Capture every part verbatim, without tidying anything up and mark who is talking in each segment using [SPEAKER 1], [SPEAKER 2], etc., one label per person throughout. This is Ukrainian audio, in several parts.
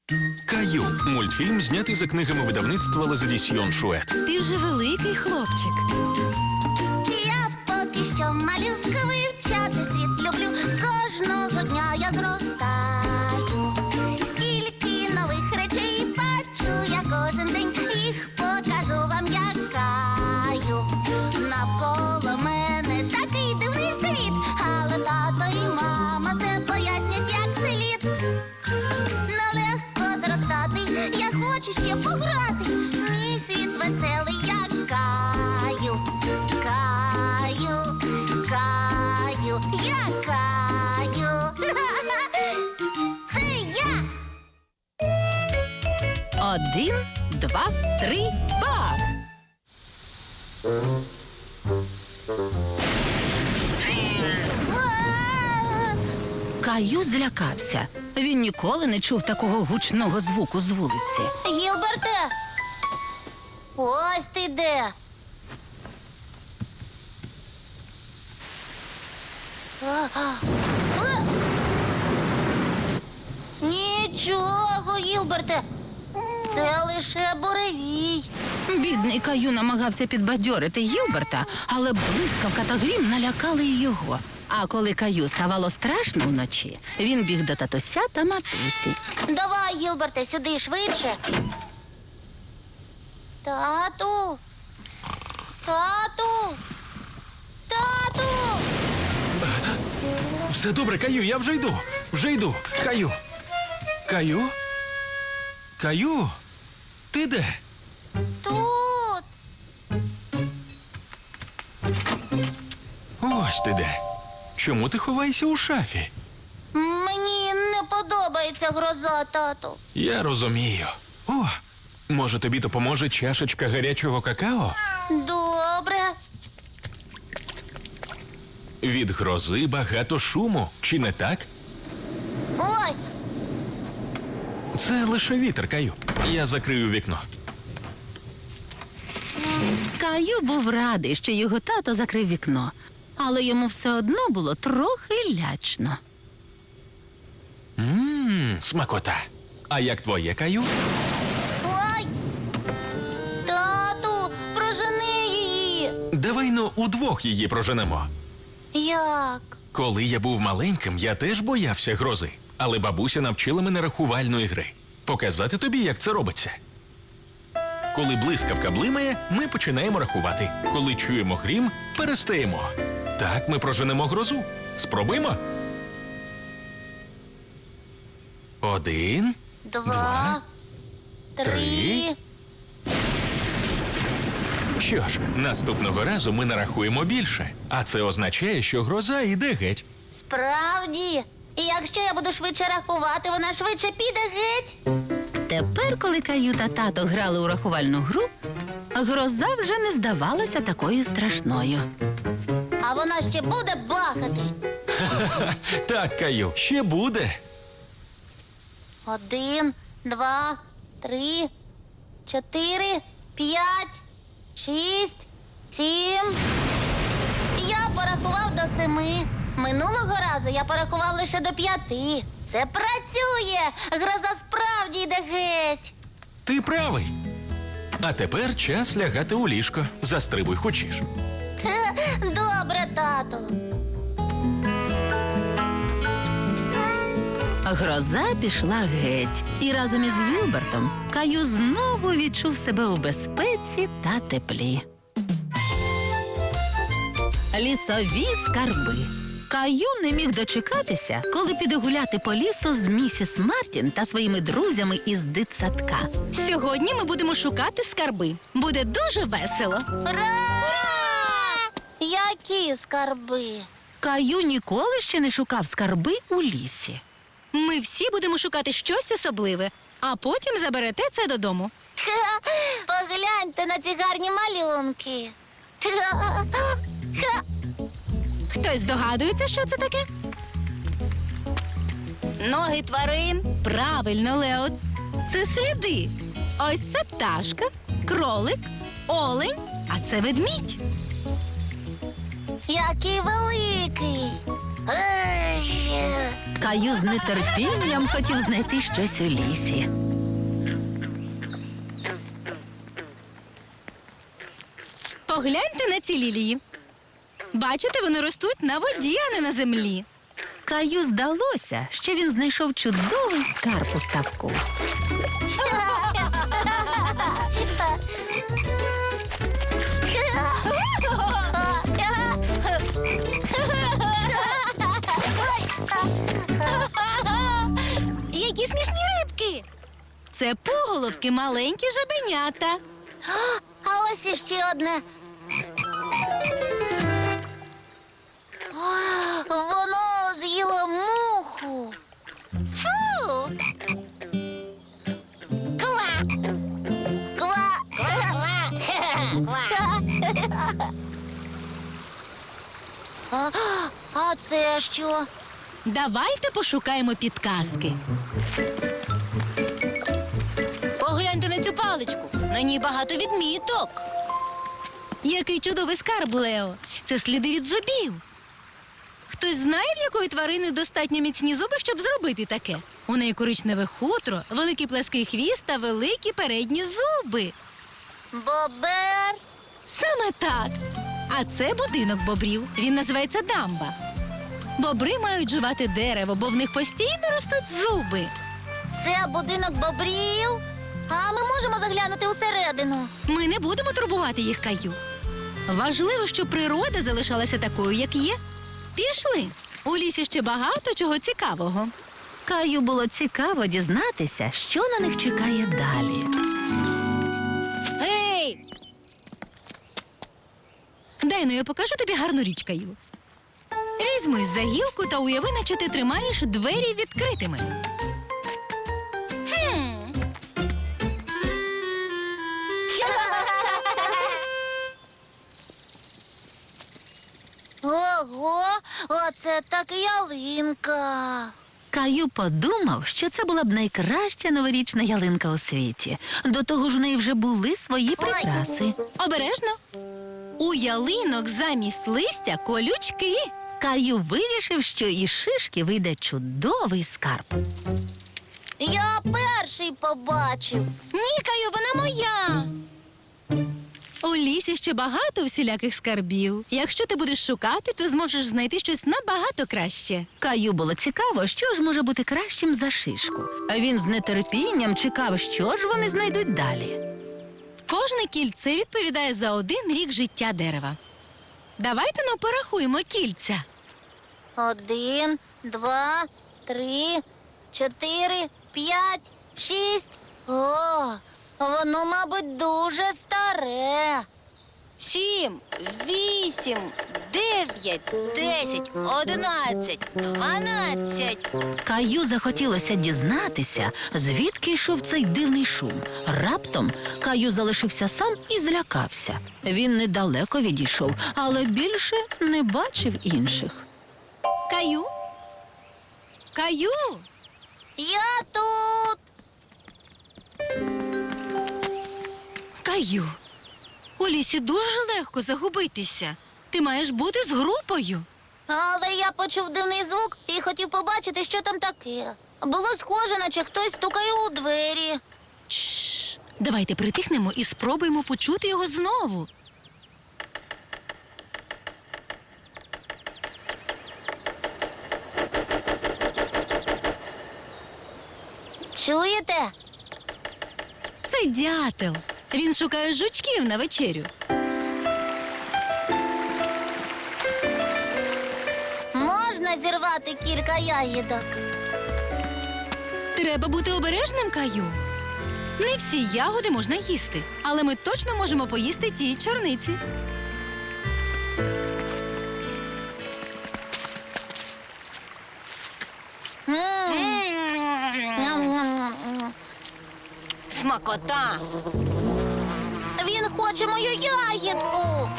[SPEAKER 1] Каю. Мультфільм знятий за книгами видавництва Лазадісьйон Шует.
[SPEAKER 2] Ти вже великий хлопчик.
[SPEAKER 3] Я поки що малютка, вивчати світ люблю. Кожного дня я зростаю. Стільки нових речей бачу я кожен день. Їх покажу вам, як Каю. Навколо мене такий дивний світ, але тато і мама все пояснять, як слід. Нелегко зростати, я хочу ще пограти. Мій світ веселий, як Каю. Каю, Каю, я Каю. Це я.
[SPEAKER 2] Один, два, три, бах!
[SPEAKER 3] А!
[SPEAKER 2] Каю злякався. Він ніколи не чув такого гучного звуку з вулиці.
[SPEAKER 3] Гілберте! Ось ти де. А, а, а! Нічого, Гілберте. Це лише буревій.
[SPEAKER 2] Бідний Каю намагався підбадьорити Гілберта, але блискавка та грім налякали й його. А коли Каю ставало страшно вночі, він біг до татуся та матусі.
[SPEAKER 3] Давай, Гілберте, сюди швидше. Тату. Тату. Тату.
[SPEAKER 1] Все добре, Каю, я вже йду. Вже йду. Каю. Каю? Каю? Ти де?
[SPEAKER 3] Тут.
[SPEAKER 1] Ось ти де. Чому ти ховаєшся у шафі?
[SPEAKER 3] Мені не подобається гроза, тату.
[SPEAKER 1] Я розумію. О, може тобі допоможе чашечка гарячого какао?
[SPEAKER 3] Добре.
[SPEAKER 1] Від грози багато шуму, чи не так?
[SPEAKER 3] Ой,
[SPEAKER 1] Це лише вітер, Каю. Я закрию вікно.
[SPEAKER 2] Каю був радий, що його тато закрив вікно, але йому все одно було трохи лячно.
[SPEAKER 1] Ммм, смакота. А як твоє, Каю?
[SPEAKER 3] ой. Тату, прожени її.
[SPEAKER 1] Давай ну удвох її проженемо.
[SPEAKER 3] Як?
[SPEAKER 1] Коли я був маленьким, я теж боявся грози. Але бабуся навчила мене рахувальної гри. Показати тобі, як це робиться. Коли блискавка блимає, ми починаємо рахувати. Коли чуємо грім, перестаємо. Так ми проженемо грозу. Спробуємо? Один.
[SPEAKER 3] Два,
[SPEAKER 1] Два,
[SPEAKER 3] три.
[SPEAKER 1] три. Що ж, наступного разу ми нарахуємо більше. А це означає, що гроза йде геть.
[SPEAKER 3] Справді. І якщо я буду швидше рахувати, вона швидше піде геть.
[SPEAKER 2] Тепер, коли Каю та тато грали у рахувальну гру, гроза вже не здавалася такою страшною.
[SPEAKER 3] А вона ще буде бахати.
[SPEAKER 1] Так, Каю, ще буде.
[SPEAKER 3] Один, два, три, чотири, п'ять, шість, сім. Я порахував до семи. Минулого разу я порахував лише до п'яти. Це працює. Гроза справді йде геть.
[SPEAKER 1] Ти правий. А тепер час лягати у ліжко. Застрибуй хочеш.
[SPEAKER 3] Хе, добре, тату.
[SPEAKER 2] Гроза пішла геть, і разом із Вілбертом Каю знову відчув себе у безпеці та теплі. Лісові скарби. Каю не міг дочекатися, коли піде гуляти по лісу з місіс Мартін та своїми друзями із дитсадка.
[SPEAKER 4] Сьогодні ми будемо шукати скарби. Буде дуже весело.
[SPEAKER 3] Ура! Які скарби?
[SPEAKER 2] Каю ніколи ще не шукав скарби у лісі.
[SPEAKER 4] Ми всі будемо шукати щось особливе, а потім заберете це додому.
[SPEAKER 3] Ха, погляньте на ці гарні малюнки. Ха, ха.
[SPEAKER 4] Хтось здогадується, що це таке? Ноги тварин. Правильно, Лео. Це сліди. Ось це пташка, кролик, олень, а це ведмідь.
[SPEAKER 3] Який великий. Ей.
[SPEAKER 2] Каю з нетерпінням хотів знайти щось у лісі.
[SPEAKER 4] Погляньте на ці лілії. Бачите, вони ростуть на воді, а не на землі.
[SPEAKER 2] Каю здалося, що він знайшов чудовий скарб у ставку.
[SPEAKER 4] Які смішні рибки! Це пуголовки, маленькі жабенята.
[SPEAKER 3] А ось іще одне. А, воно з'їло муху. Фу! Ква! Ква! Ква! Ква! А, а це що?
[SPEAKER 4] Давайте пошукаємо підказки. Погляньте на цю паличку. На ній багато відміток. Який чудовий скарб, Лео. Це сліди від зубів. Хтось знає, в якої тварини достатньо міцні зуби, щоб зробити таке? У неї коричневе хутро, великий плеский хвіст та великі передні зуби.
[SPEAKER 3] Бобер.
[SPEAKER 4] Саме так. А це будинок бобрів. Він називається дамба. Бобри мають жувати дерево, бо в них постійно ростуть зуби.
[SPEAKER 3] Це будинок бобрів. А ми можемо заглянути усередину.
[SPEAKER 4] Ми не будемо турбувати їх, Каю. Важливо, щоб природа залишалася такою, як є. Пішли. У лісі ще багато чого цікавого.
[SPEAKER 2] Каю було цікаво дізнатися, що на них чекає далі.
[SPEAKER 4] Гей! Дай, ну я покажу тобі гарну річ, Каю. Візьми за гілку та уяви, наче ти тримаєш двері відкритими. Хм.
[SPEAKER 3] Ого, оце так ялинка.
[SPEAKER 2] Каю подумав, що це була б найкраща новорічна ялинка у світі. До того ж, у неї вже були свої прикраси.
[SPEAKER 4] Обережно. У ялинок замість листя колючки.
[SPEAKER 2] Каю вирішив, що із шишки вийде чудовий скарб.
[SPEAKER 3] Я перший побачив.
[SPEAKER 4] Ні, Каю, вона моя. У лісі ще багато всіляких скарбів. Якщо ти будеш шукати, то зможеш знайти щось набагато краще.
[SPEAKER 2] Каю було цікаво, що ж може бути кращим за шишку. А він з нетерпінням чекав, що ж вони знайдуть далі.
[SPEAKER 4] Кожне кільце відповідає за один рік життя дерева. Давайте ну порахуємо кільця.
[SPEAKER 3] Один, два, три, чотири, п'ять, шість. О, воно, мабуть, дуже старе.
[SPEAKER 4] Сім, вісім, дев'ять, десять, одинадцять, дванадцять.
[SPEAKER 2] Каю захотілося дізнатися, звідки йшов цей дивний шум. Раптом Каю залишився сам і злякався. Він недалеко відійшов, але більше не бачив інших.
[SPEAKER 4] Каю? Каю?
[SPEAKER 3] Я тут.
[SPEAKER 4] Каю, у лісі дуже легко загубитися. Ти маєш бути з групою.
[SPEAKER 3] Але я почув дивний звук і хотів побачити, що там таке. Було схоже, наче хтось стукає у двері.
[SPEAKER 4] Чш, давайте притихнемо і спробуємо почути його знову.
[SPEAKER 3] Чуєте?
[SPEAKER 4] Це дятел. Він шукає жучків на вечерю.
[SPEAKER 3] Можна зірвати кілька ягідок.
[SPEAKER 4] Треба бути обережним, Каю. Не всі ягоди можна їсти, але ми точно можемо поїсти ті чорниці.
[SPEAKER 3] Ням-ням-ням.
[SPEAKER 4] Смакота.
[SPEAKER 3] Він хоче мою ягідку.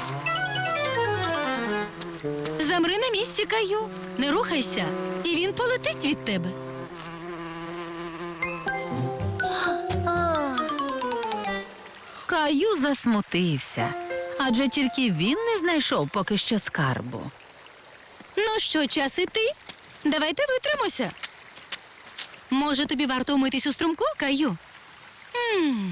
[SPEAKER 4] Замри на місці, Каю. Не рухайся, і він полетить від тебе.
[SPEAKER 3] Ох.
[SPEAKER 2] Каю засмутився, адже тільки він не знайшов поки що скарбу.
[SPEAKER 4] Ну Ну що, час іти? Давайте витримося. Може, тобі варто умитись у струмку, Каю? М.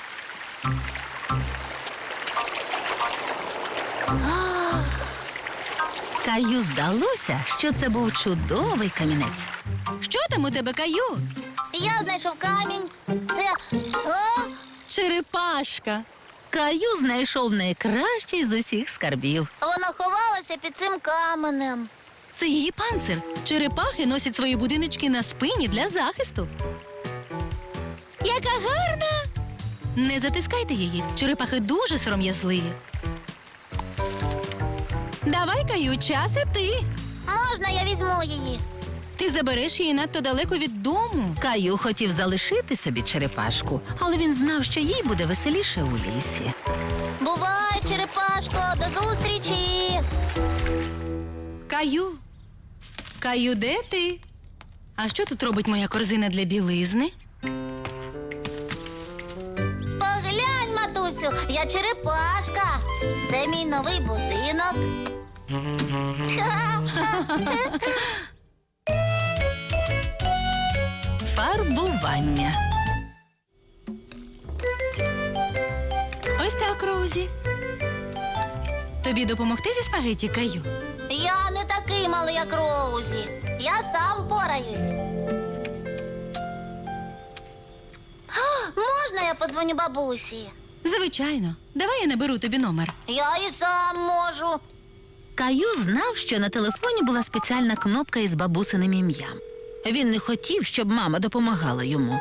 [SPEAKER 2] Каю здалося, що це був чудовий камінець.
[SPEAKER 4] Що там у тебе, Каю?
[SPEAKER 3] Я знайшов камінь. Це. О,
[SPEAKER 4] Черепашка.
[SPEAKER 2] Каю знайшов найкращий з усіх скарбів.
[SPEAKER 3] воно ховалося під цим каменем.
[SPEAKER 4] Це її панцир. Черепахи носять свої будиночки на спині для захисту. Яка гарна! Не затискайте її. Черепахи дуже сором'язливі. Давай, Каю, час іти.
[SPEAKER 3] Можна я візьму її?
[SPEAKER 4] Ти забереш її надто далеко від дому.
[SPEAKER 2] Каю хотів залишити собі черепашку, але він знав, що їй буде веселіше у лісі.
[SPEAKER 3] Бувай, черепашко, до зустрічі!
[SPEAKER 4] Каю. Каю, де ти? А що тут робить моя корзина для білизни?
[SPEAKER 3] Поглянь, матусю, я черепашка. Це мій новий будинок.
[SPEAKER 2] Фарбування.
[SPEAKER 4] Ось так, Роузі. Тобі допомогти зі спагетті, Каю?
[SPEAKER 3] Я не такий малий, як Роузі. Я сам пораюсь. А, можна я подзвоню бабусі?
[SPEAKER 4] Звичайно. Давай я наберу тобі номер.
[SPEAKER 3] Я і сам можу.
[SPEAKER 2] Каю знав, що на телефоні була спеціальна кнопка із бабусиним ім'ям. Він не хотів, щоб мама допомагала йому.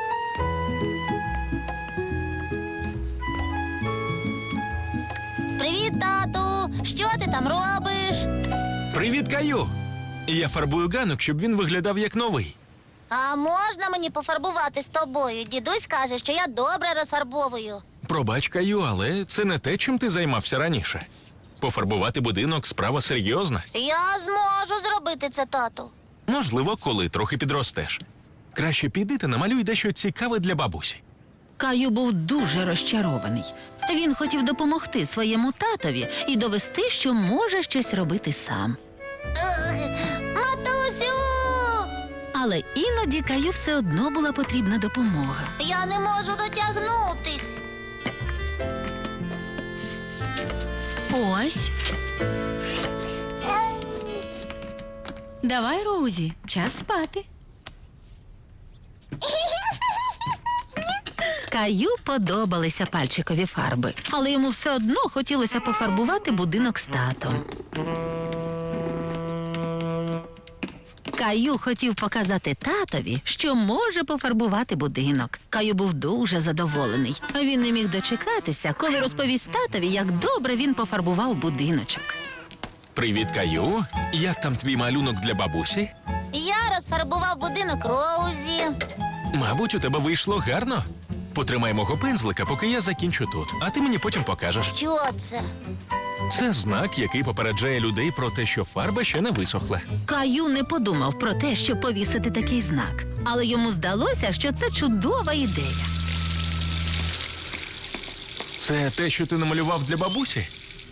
[SPEAKER 3] Привіт, тату. Що ти там робиш?
[SPEAKER 1] Привіт, Каю! Я фарбую ганок, щоб він виглядав як новий.
[SPEAKER 3] А можна мені пофарбувати з тобою? Дідусь каже, що я добре розфарбовую.
[SPEAKER 1] Пробач, Каю, але це не те, чим ти займався раніше. Пофарбувати будинок справа серйозна.
[SPEAKER 3] Я зможу зробити це, тату.
[SPEAKER 1] Можливо, коли трохи підростеш. Краще піди та намалюй дещо цікаве для бабусі.
[SPEAKER 2] Каю був дуже розчарований. Він хотів допомогти своєму татові і довести, що може щось робити сам.
[SPEAKER 3] Ех, матусю!
[SPEAKER 2] Але іноді Каю все одно була потрібна допомога.
[SPEAKER 3] Я не можу дотягнутись.
[SPEAKER 4] Ось. Давай, Роузі, час спати.
[SPEAKER 2] Каю подобалися пальчикові фарби, але йому все одно хотілося пофарбувати будинок з татом. Каю хотів показати татові, що може пофарбувати будинок. Каю був дуже задоволений. Він не міг дочекатися, коли розповість татові, як добре він пофарбував будиночок.
[SPEAKER 1] Привіт, Каю! Як там твій малюнок для бабусі?
[SPEAKER 3] Я розфарбував будинок Роузі.
[SPEAKER 1] Мабуть, у тебе вийшло гарно. Потримай мого пензлика, поки я закінчу тут, а ти мені потім покажеш.
[SPEAKER 3] Що це?
[SPEAKER 1] Це знак, який попереджає людей про те, що фарба ще не висохла.
[SPEAKER 2] Каю не подумав про те, щоб повісити такий знак, але йому здалося, що це чудова ідея.
[SPEAKER 1] Це те, що ти намалював для бабусі?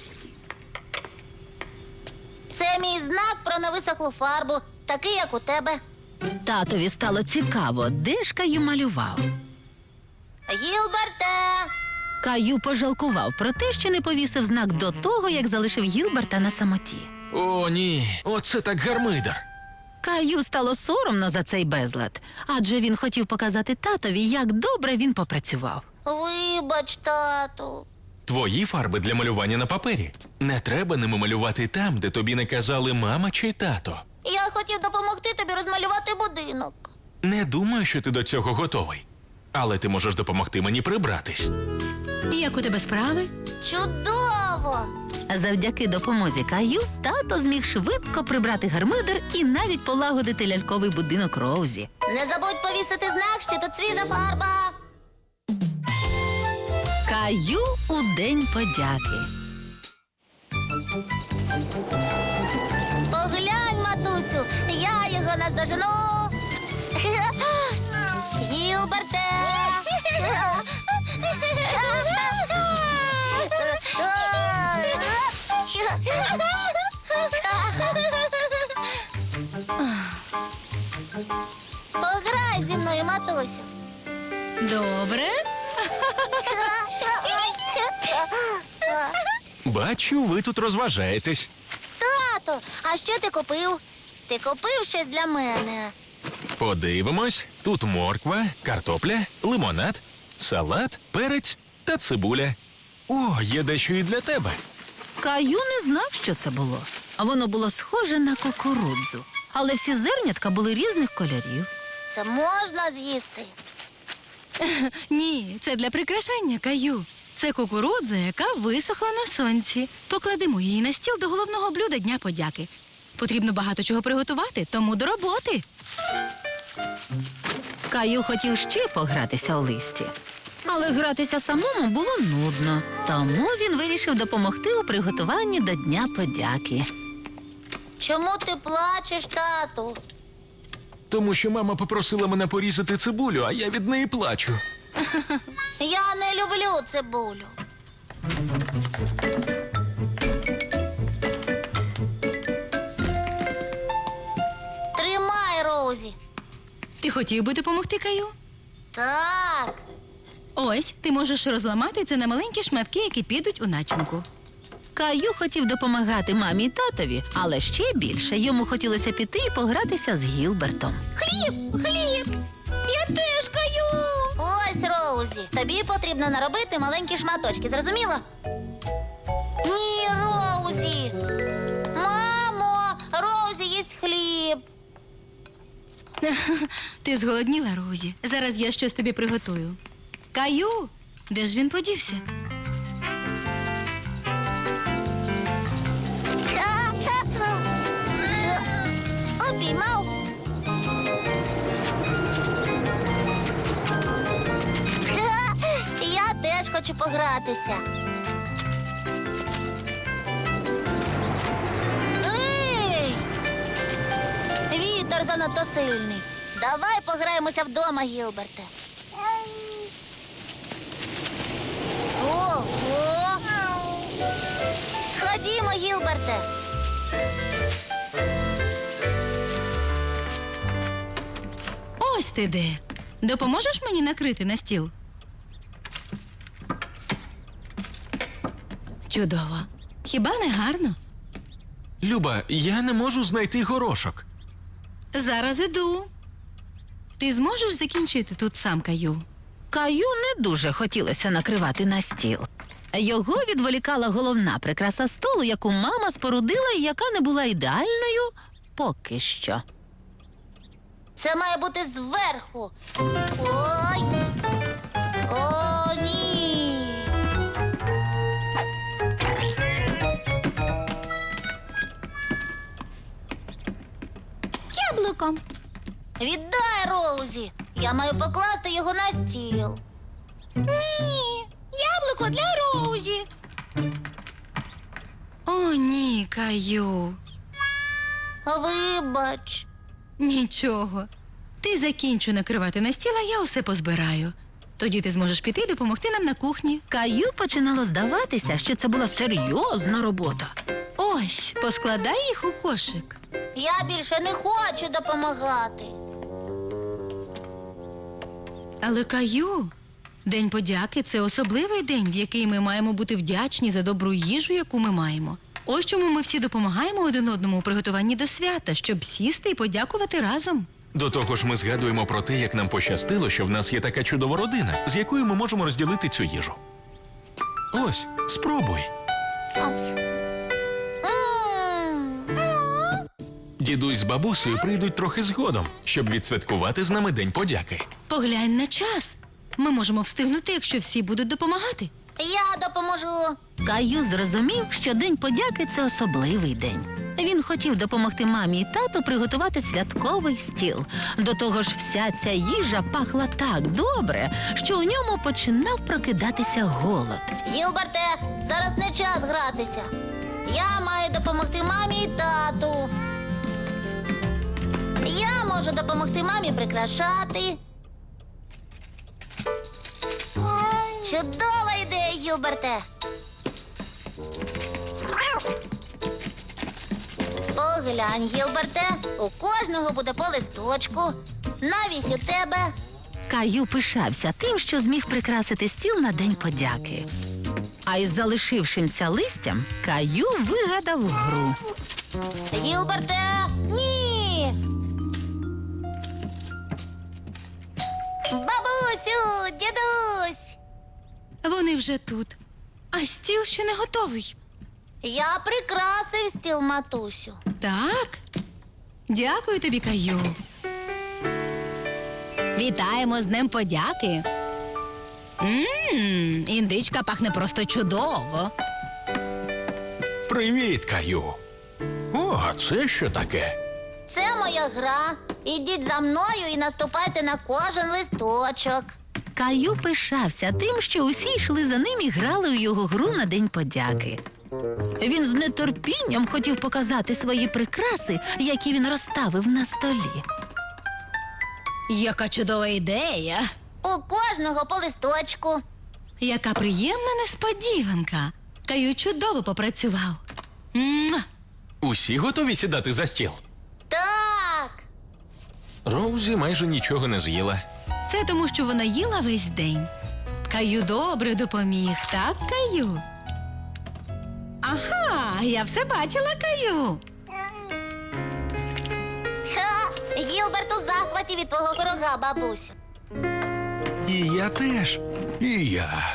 [SPEAKER 3] Це мій знак про невисохлу фарбу, такий, як у тебе.
[SPEAKER 2] Татові стало цікаво, де ж Каю малював.
[SPEAKER 3] Гілберте!
[SPEAKER 2] Каю пожалкував про те, що не повісив знак до того, як залишив Гілберта на самоті.
[SPEAKER 1] О, ні, оце так гармидер.
[SPEAKER 2] Каю стало соромно за цей безлад, адже він хотів показати татові, як добре він попрацював.
[SPEAKER 3] Вибач, тату.
[SPEAKER 1] Твої фарби для малювання на папері. Не треба ними малювати там, де тобі не казали мама чи тато.
[SPEAKER 3] Я хотів допомогти тобі розмалювати будинок.
[SPEAKER 1] Не думаю, що ти до цього готовий. Але ти можеш допомогти мені прибратись.
[SPEAKER 4] Як у тебе справи?
[SPEAKER 3] Чудово!
[SPEAKER 2] Завдяки допомозі Каю тато зміг швидко прибрати гармидер і навіть полагодити ляльковий будинок Роузі.
[SPEAKER 3] Не забудь повісити знак, що тут свіжа фарба.
[SPEAKER 2] Каю у день подяки.
[SPEAKER 3] Поглянь, матусю, я його наздожену. Гілберте! матусю.
[SPEAKER 4] Добре.
[SPEAKER 1] Бачу, ви тут розважаєтесь.
[SPEAKER 3] Тато, а що ти купив? Ти купив щось для мене?
[SPEAKER 1] Подивимось. Тут морква, картопля, лимонад, салат, перець та цибуля. О, є дещо і для тебе.
[SPEAKER 2] Каю не знав, що це було. А воно було схоже на кукурудзу. Але всі зернятка були різних кольорів.
[SPEAKER 3] Це можна з'їсти.
[SPEAKER 4] Ні, це для прикрашання, Каю. Це кукурудза, яка висохла на сонці. Покладемо її на стіл до головного блюда Дня подяки. Потрібно багато чого приготувати, тому до роботи.
[SPEAKER 2] Каю хотів ще погратися у листі. Але гратися самому було нудно. Тому він вирішив допомогти у приготуванні до Дня подяки.
[SPEAKER 3] Чому ти плачеш, тату?
[SPEAKER 1] Тому що мама попросила мене порізати цибулю, а я від неї плачу.
[SPEAKER 3] Я не люблю цибулю. Тримай, Роузі.
[SPEAKER 4] Ти хотів би допомогти, Каю?
[SPEAKER 3] Так.
[SPEAKER 4] Ось, ти можеш розламати це на маленькі шматки, які підуть у начинку.
[SPEAKER 2] Каю хотів допомагати мамі й татові, але ще більше йому хотілося піти і погратися з Гілбертом.
[SPEAKER 4] Хліб, хліб! Я теж, Каю!
[SPEAKER 3] Ось, Роузі. Тобі потрібно наробити маленькі шматочки, зрозуміло? Ні, Роузі. Мамо, Роузі їсть хліб.
[SPEAKER 4] Ти зголодніла, Розі. Зараз я щось тобі приготую. Каю, де ж він подівся?
[SPEAKER 3] Обіймав. Я теж хочу погратися. Ей! Вітер занадто сильний. Давай пограємося вдома, Гілберте. Ого! Ходімо, Гілберте.
[SPEAKER 4] Ось ти де. Допоможеш мені накрити на стіл? Чудово. Хіба не гарно?
[SPEAKER 1] Люба, я не можу знайти горошок.
[SPEAKER 4] Зараз іду. Ти зможеш закінчити тут сам, Каю?
[SPEAKER 2] Каю не дуже хотілося накривати на стіл. Його відволікала головна прикраса столу, яку мама спорудила і яка не була ідеальною поки що.
[SPEAKER 3] Це має бути зверху. Ой. О, ні.
[SPEAKER 4] Яблуком.
[SPEAKER 3] Віддай, Роузі. Я маю покласти його на стіл.
[SPEAKER 4] Ні, яблуко для Роузі. О, ні, Каю.
[SPEAKER 3] Вибач.
[SPEAKER 4] Нічого. Ти закінчу накривати на стіл, а я усе позбираю. Тоді ти зможеш піти і допомогти нам на кухні.
[SPEAKER 2] Каю починало здаватися, що це була серйозна робота.
[SPEAKER 4] Ось, поскладай їх у кошик.
[SPEAKER 3] Я більше не хочу допомагати.
[SPEAKER 4] Але Каю, День подяки – це особливий день, в який ми маємо бути вдячні за добру їжу, яку ми маємо. Ось чому ми всі допомагаємо один одному у приготуванні до свята, щоб сісти і подякувати разом.
[SPEAKER 1] До того ж, ми згадуємо про те, як нам пощастило, що в нас є така чудова родина, з якою ми можемо розділити цю їжу. Ось, спробуй.
[SPEAKER 3] М.
[SPEAKER 1] Дідусь з бабусею прийдуть трохи згодом, щоб відсвяткувати з нами День подяки.
[SPEAKER 4] Поглянь на час. Ми можемо встигнути, якщо всі будуть допомагати.
[SPEAKER 3] Я допоможу.
[SPEAKER 2] Каю зрозумів, що День подяки – це особливий день. Він хотів допомогти мамі і тату приготувати святковий стіл. До того ж, вся ця їжа пахла так добре, що у ньому починав прокидатися голод.
[SPEAKER 3] Гілберте, зараз не час гратися. Я маю допомогти мамі і тату. Я можу допомогти мамі прикрашати. Чудова ідея, Гілберте. Поглянь, Гілберте, у кожного буде по листочку, навіть у тебе.
[SPEAKER 2] Каю пишався тим, що зміг прикрасити стіл на День подяки. А із залишившимся листям Каю вигадав гру.
[SPEAKER 3] Гілберте, ні! Бабусю, дідусь!
[SPEAKER 4] Вони вже тут. А стіл ще не готовий.
[SPEAKER 3] Я прикрасив стіл, матусю.
[SPEAKER 4] Так? Дякую тобі, Каю. Вітаємо з Днем подяки. Мм, індичка пахне просто чудово.
[SPEAKER 1] Привіт, Каю. О, а це що таке?
[SPEAKER 3] Це моя гра. Ідіть за мною і наступайте на кожен листочок.
[SPEAKER 2] Каю пишався тим, що усі йшли за ним і грали у його гру на День подяки. Він з нетерпінням хотів показати свої прикраси, які він розставив на столі.
[SPEAKER 4] Яка чудова ідея.
[SPEAKER 3] У кожного по листочку.
[SPEAKER 4] Яка приємна несподіванка. Каю чудово попрацював. Муа!
[SPEAKER 1] Усі готові сідати за стіл?
[SPEAKER 3] Так.
[SPEAKER 1] Роузі майже нічого не з'їла.
[SPEAKER 4] Це тому, що вона їла весь день. Каю добре допоміг, так, Каю? Ага, я все бачила, Каю.
[SPEAKER 3] Ха, Гілберт у захваті від твого пирога, бабусю.
[SPEAKER 1] І я теж. І я.